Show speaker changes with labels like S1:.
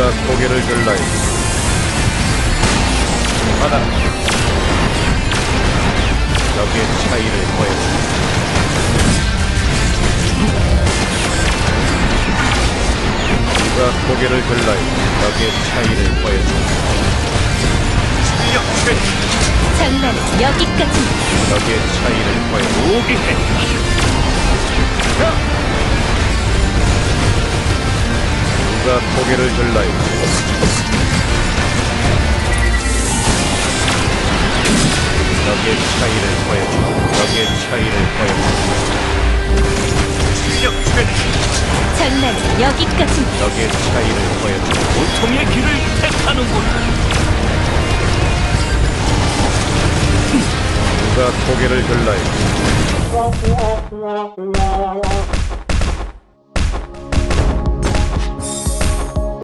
S1: 누가 고개를 들라요? 받아라. 적의 차이를 보여주마. 누가 고개를 들라요? 적의 차이를 보여주마.
S2: 실력 최대.
S3: 장난은 여기까지입니다.
S1: 적의 차이를 보여주마.
S2: 무기해.
S1: 누가 고개를 들라요? 적의 차이를 보여주마. 적의 차이를 보여주마.
S2: 실력 최대.
S3: 장난은 여기까지입니다.
S1: 적의 차이를 보여주마.
S2: 고통의 길을 택하는군.
S1: 누가 고개를 들라요?